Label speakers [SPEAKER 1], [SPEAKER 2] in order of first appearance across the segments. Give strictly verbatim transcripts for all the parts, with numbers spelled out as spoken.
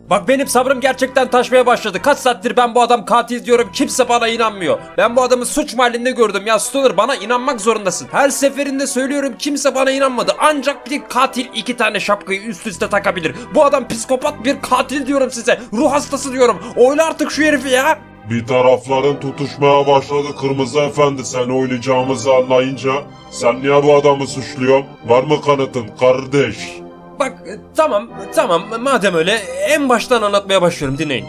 [SPEAKER 1] Bak benim sabrım gerçekten taşmaya başladı. Kaç saattir ben bu adam katil diyorum, kimse bana inanmıyor. Ben bu adamı suç mahallinde gördüm ya Stoner, bana inanmak zorundasın. Her seferinde söylüyorum, kimse bana inanmadı. Ancak bir katil iki tane şapkayı üst üste takabilir. Bu adam psikopat bir katil diyorum size. Ruh hastası diyorum. Oyla artık şu herifi ya.
[SPEAKER 2] Bir tarafların tutuşmaya başladı Kırmızı Efendi, sen oynayacağımızı anlayınca. Sen niye bu adamı suçluyorsun? Var mı kanıtın kardeş?
[SPEAKER 1] Bak e, tamam tamam madem öyle en baştan anlatmaya başlıyorum, dinleyin.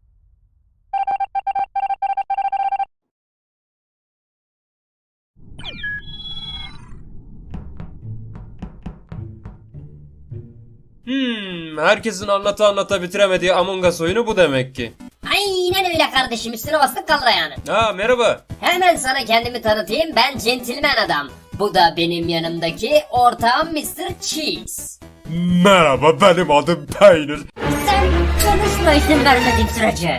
[SPEAKER 1] Hmm, herkesin anlata anlata bitiremediği Among Us oyunu bu demek ki.
[SPEAKER 3] Aynen öyle kardeşim, üstüne bastık kalır yani.
[SPEAKER 1] Ha merhaba.
[SPEAKER 3] Hemen sana kendimi tanıtayım, ben centilmen adam. Bu da benim yanımdaki ortağım mister Cheese.
[SPEAKER 1] Merhaba, benim adım Peynir.
[SPEAKER 3] Sen konuşma izin vermediğim sürece.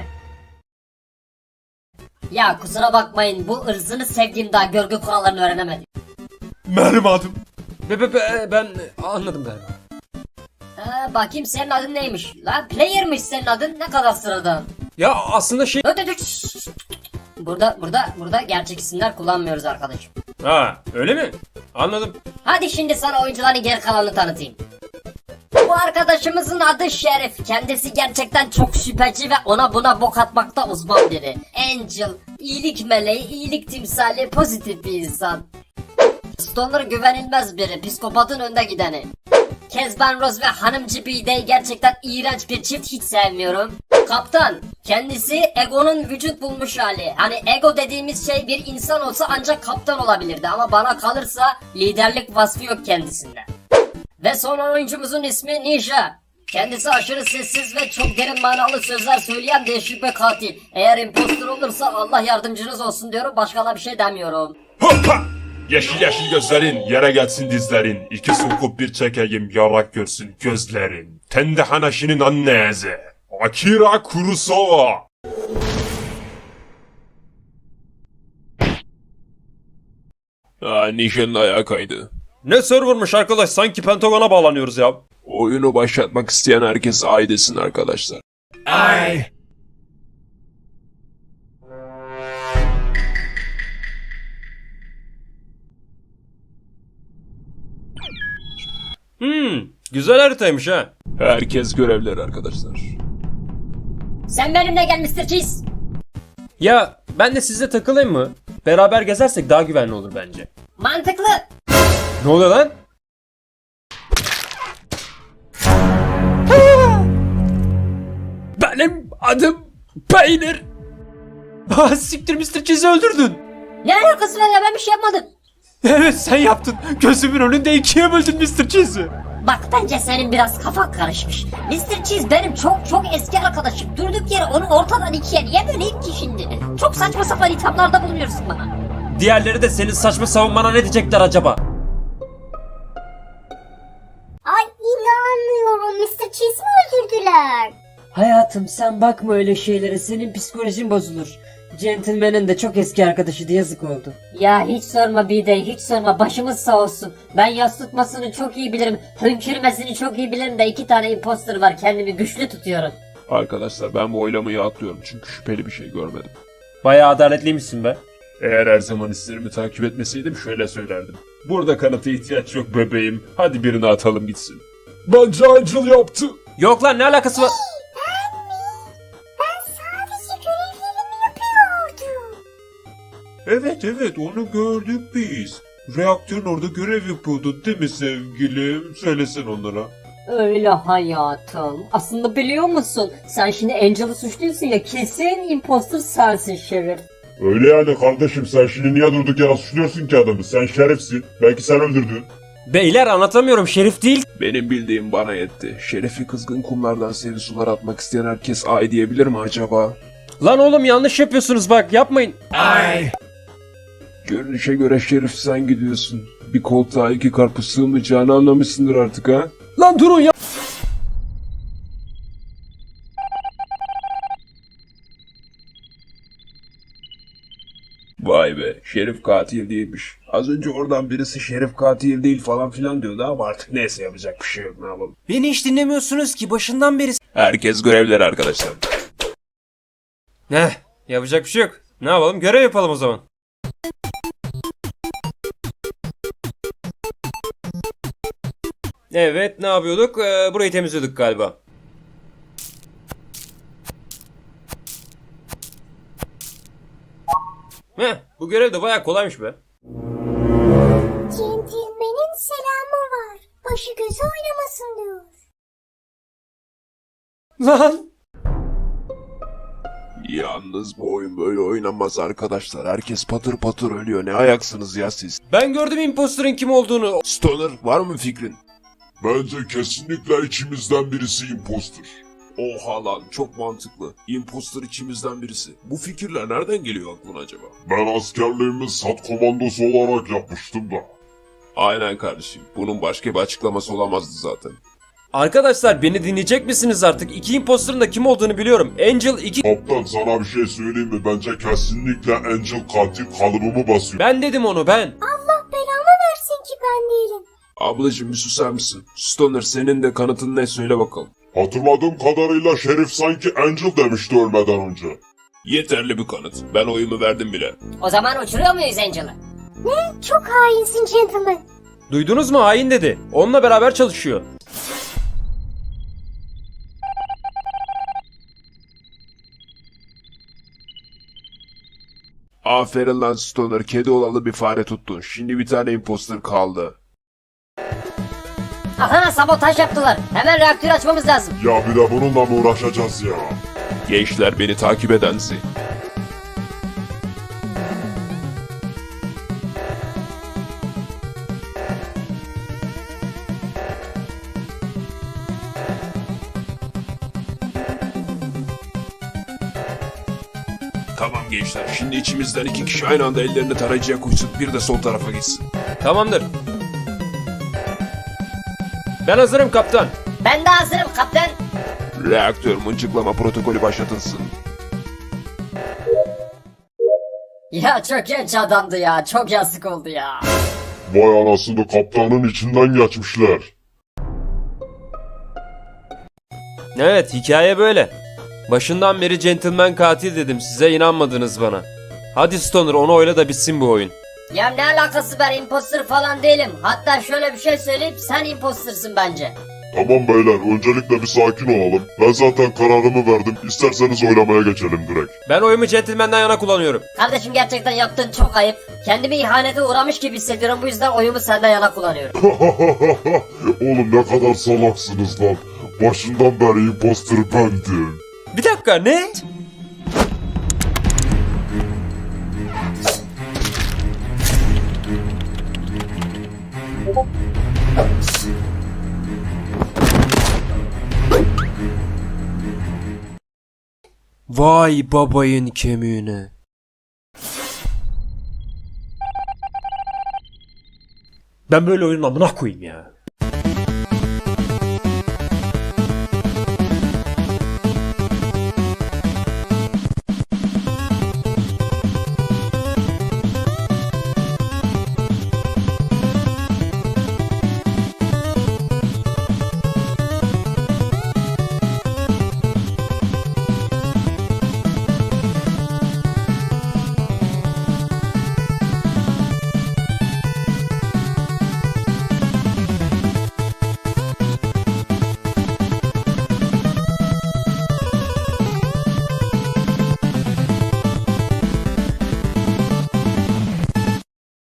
[SPEAKER 3] Ya kusura bakmayın, bu ırzını sevdiğim daha görgü kurallarını öğrenemedim.
[SPEAKER 1] Benim adım. Be, be, be, ben anladım galiba.
[SPEAKER 3] Ha, bakayım senin adın neymiş? La player'mış senin adın, ne kadar sıradan.
[SPEAKER 1] Ya aslında şey...
[SPEAKER 3] Dur dur dur. Burada burada burada gerçek isimler kullanmıyoruz arkadaşım.
[SPEAKER 1] Ha öyle mi? Anladım.
[SPEAKER 3] Hadi şimdi sana oyuncuların geri kalanını tanıtayım. Bu arkadaşımızın adı Şerif. Kendisi gerçekten çok şüpheci ve ona buna bok atmakta uzman biri. Angel, iyilik meleği, iyilik timsali, pozitif bir insan. Stoner güvenilmez biri, psikopatın önde gideni. Kezban Rose ve Hanımcı Bidey gerçekten iğrenç bir çift, hiç sevmiyorum. Kaptan, kendisi Ego'nun vücut bulmuş hali. Hani Ego dediğimiz şey bir insan olsa ancak kaptan olabilirdi ama bana kalırsa liderlik vasfı yok kendisinde. Ve son oyuncumuzun ismi Ninja. Kendisi aşırı sessiz ve çok derin manalı sözler söyleyen değişik bir katil. Eğer impostor olursa Allah yardımcınız olsun diyorum, başka da bir şey demiyorum.
[SPEAKER 2] Hoppa! Yeşil yeşil gözlerin, yere gelsin dizlerin. İki sokup bir çekeyim, yarak görsün gözlerin. Tende Hanashi'nin annesi. Akira Kurosawa.
[SPEAKER 4] Aa, Nişan'ın ayağı kaydı.
[SPEAKER 1] Ne servermış arkadaş, sanki Pentagon'a bağlanıyoruz ya.
[SPEAKER 4] Oyunu başlatmak isteyen herkes ay desin arkadaşlar. Ay.
[SPEAKER 1] Hmm, güzel haritaymış ha.
[SPEAKER 4] Herkes görevler arkadaşlar.
[SPEAKER 3] Sen benimle gel mister Cheese.
[SPEAKER 1] Ya ben de sizle takılayım mı? Beraber gezersek daha güvenli olur bence.
[SPEAKER 3] Mantıklı.
[SPEAKER 1] Ne oluyor lan? Benim adım Peynir. Ha, siktir, mister Cheese'i öldürdün.
[SPEAKER 3] Ne alakası var ya, ben bir şey yapmadım.
[SPEAKER 1] Evet sen yaptın. Gözümün önünde ikiye böldün mister Cheese'i.
[SPEAKER 3] Bak bence senin biraz kafan karışmış. mister Cheese benim çok çok eski arkadaşım. Durduk yere onu ortadan ikiye niye böleyim ki şimdi? Çok saçma sapan ithamlarda bulunuyorsun bana.
[SPEAKER 1] Diğerleri de senin saçma savunmana ne diyecekler acaba?
[SPEAKER 5] Ay inanmıyorum. mister Cheese mi öldürdüler?
[SPEAKER 3] Hayatım sen bakma öyle şeylere, senin psikolojin bozulur. Gentleman'ın da çok eski arkadaşı, yazık oldu. Ya hiç sorma Bidey, hiç sorma, başımız sağ olsun. Ben yas tutmasını çok iyi bilirim, hönkürmesini çok iyi bilirim de iki tane imposter var, kendimi güçlü tutuyorum.
[SPEAKER 4] Arkadaşlar ben bu oylamayı atlıyorum çünkü şüpheli bir şey görmedim.
[SPEAKER 1] Bayağı adaletliymişsin be.
[SPEAKER 4] Eğer her zaman hislerimi takip etmeseydim şöyle söylerdim. Burada kanıta ihtiyaç yok bebeğim. Hadi birini atalım gitsin. Bence Angel yaptı.
[SPEAKER 1] Yok lan, ne alakası var?
[SPEAKER 5] Ben sadece görevlerimi yapıyordum.
[SPEAKER 4] Evet evet onu gördük biz. Reaktörün orada görev yapıyordun değil mi sevgilim? Söylesen onlara.
[SPEAKER 3] Öyle hayatım. Aslında biliyor musun? Sen şimdi Angel'ı suçluyorsun ya, kesin imposter sensin Şerif.
[SPEAKER 2] Öyle yani kardeşim, sen şimdi niye durduk yere suçluyorsun ki adamı? Sen şerefsin. Belki sen öldürdün.
[SPEAKER 1] Beyler anlatamıyorum, Şerif değil.
[SPEAKER 4] Benim bildiğim bana yetti. Şerefi kızgın kumlardan serin sular atmak isteyen herkes ay diyebilir mi acaba?
[SPEAKER 1] Lan oğlum yanlış yapıyorsunuz, bak yapmayın.
[SPEAKER 4] Ay. Görünüşe göre Şerif sen gidiyorsun. Bir koltuğa iki karpuz sığmayacağını anlamışsındır artık ha?
[SPEAKER 1] Lan durun ya.
[SPEAKER 4] Vay be. Şerif katil değilmiş. Az önce oradan birisi Şerif katil değil falan filan diyordu ama artık neyse yapacak bir şey yok, ne yapalım.
[SPEAKER 1] Beni hiç dinlemiyorsunuz ki başından beri.
[SPEAKER 4] Herkes görevler arkadaşlar.
[SPEAKER 1] Ne? Yapacak bir şey yok. Ne yapalım? Görev yapalım o zaman. Evet, ne yapıyorduk? Ee, burayı temizliyorduk galiba. Heh, bu görev de bayağı kolaymış be.
[SPEAKER 5] Centilmenin selamı var. Başı gözü oynamasın diyor.
[SPEAKER 1] Lan!
[SPEAKER 4] Yalnız bu oyun böyle oynanmaz arkadaşlar. Herkes patır patır ölüyor. Ne ayaksınız ya siz?
[SPEAKER 1] Ben gördüm imposterın kim olduğunu.
[SPEAKER 4] Stoner, var mı fikrin?
[SPEAKER 2] Bence kesinlikle içimizden birisi imposter.
[SPEAKER 4] Oha lan, çok mantıklı. Imposter içimizden birisi. Bu fikirler nereden geliyor aklına acaba?
[SPEAKER 2] Ben askerliğimi SAT komandosu olarak yapmıştım da.
[SPEAKER 4] Aynen kardeşim. Bunun başka bir açıklaması olamazdı zaten.
[SPEAKER 1] Arkadaşlar beni dinleyecek misiniz artık? İki imposterın da kim olduğunu biliyorum. Angel iki...
[SPEAKER 2] Kaptan sana bir şey söyleyeyim mi? Bence kesinlikle Angel katil kalıbımı basıyor.
[SPEAKER 1] Ben dedim onu ben.
[SPEAKER 5] Allah belamı versin ki ben değilim.
[SPEAKER 4] Ablacım bir susar mısın? Stoner, senin de kanıtın ne, söyle bakalım.
[SPEAKER 2] Hatırladığım kadarıyla Şerif sanki Angel demişti ölmeden önce.
[SPEAKER 4] Yeterli bir kanıt. Ben oyumu verdim bile.
[SPEAKER 3] O zaman uçuruyor muyuz Angel'ı?
[SPEAKER 5] Ne? Çok hainsin gentleman.
[SPEAKER 1] Duydunuz mu? Hain dedi. Onunla beraber çalışıyor.
[SPEAKER 4] Aferin lan Stoner, kedi olalı bir fare tuttun. Şimdi bir tane imposter kaldı.
[SPEAKER 3] Aha, sabotaj yaptılar. Hemen reaktörü açmamız lazım.
[SPEAKER 2] Ya bir de bununla mı uğraşacağız ya?
[SPEAKER 4] Gençler, beni takip edensi. Tamam gençler, şimdi içimizden iki kişi aynı anda ellerini tarayıcıya koysun, bir de sol tarafa gitsin.
[SPEAKER 1] Tamamdır. Ben hazırım kaptan.
[SPEAKER 3] Ben de hazırım kaptan.
[SPEAKER 4] Reaktör mıncıklama protokolü başlatılsın.
[SPEAKER 3] Ya çok genç adamdı ya. Çok yazık oldu ya.
[SPEAKER 2] Vay anasını, kaptanın içinden geçmişler.
[SPEAKER 1] Evet, hikaye böyle. Başından beri gentleman katil dedim, size inanmadınız bana. Hadi Stoner, onu oyla da bitsin bu oyun.
[SPEAKER 3] Ya ne alakası, ben imposter falan değilim. Hatta şöyle bir şey söyleyeyim, sen imposter'sın bence.
[SPEAKER 2] Tamam beyler, öncelikle bir sakin olalım. Ben zaten kararımı verdim. İsterseniz oylamaya geçelim direkt.
[SPEAKER 1] Ben oyumu gentleman'dan yana kullanıyorum.
[SPEAKER 3] Kardeşim gerçekten yaptığın çok ayıp. Kendimi ihanete uğramış gibi hissediyorum, bu yüzden oyumu senden yana kullanıyorum.
[SPEAKER 2] Oğlum ne kadar salaksınız lan. Başından beri imposter bendim.
[SPEAKER 1] Bir dakika, ne? Vay babayın kemiğine. Ben böyle oyunun amına koyayım ya.